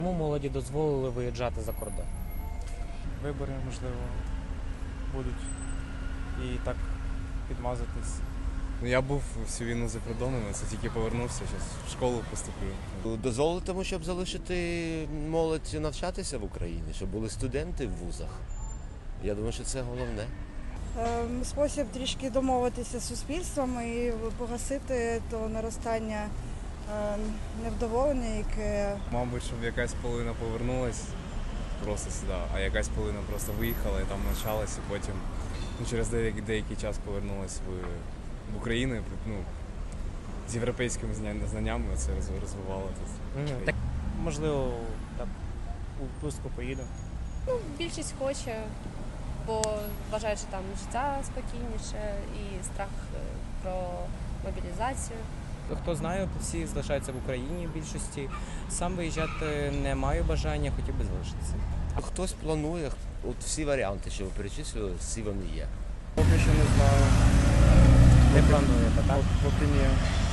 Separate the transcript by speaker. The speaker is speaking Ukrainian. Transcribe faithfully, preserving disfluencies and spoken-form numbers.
Speaker 1: Чому молоді дозволили виїжджати за кордон?
Speaker 2: Вибори, можливо, будуть і так підмазатись.
Speaker 3: Ну, я був всю війну за кордоном, це тільки повернувся, зараз в школу поступлю.
Speaker 4: Дозволити тому, щоб залишити молодь навчатися в Україні, щоб були студенти в вузах. Я думаю, що це головне.
Speaker 5: Ем, Спосіб трішки домовитися з суспільством і погасити то наростання ем, невдоволення, яке
Speaker 3: Мабуть, щоб якась половина повернулась просто сюди, а якась половина просто виїхала і там навчалась, і потім ну, через деякий, деякий час повернулась в, в Україну, ну, з європейськими зня- знаннями це роз- розвивало тут.
Speaker 1: Мгм. Так,
Speaker 2: Можливо, так у відпустку поїду.
Speaker 6: Ну, більшість хоче, бо вважають, що там життя спокійніше і страх е, про мобілізацію.
Speaker 1: хто знає, всі залишаються в Україні в більшості. Сам виїжджати не маю бажання, хотів би залишитися.
Speaker 4: Хтось планує, от всі варіанти, що ви перечислили, всі вони є.
Speaker 2: Поки що не знаю.
Speaker 1: Не плануєте, так?
Speaker 2: Поки ні.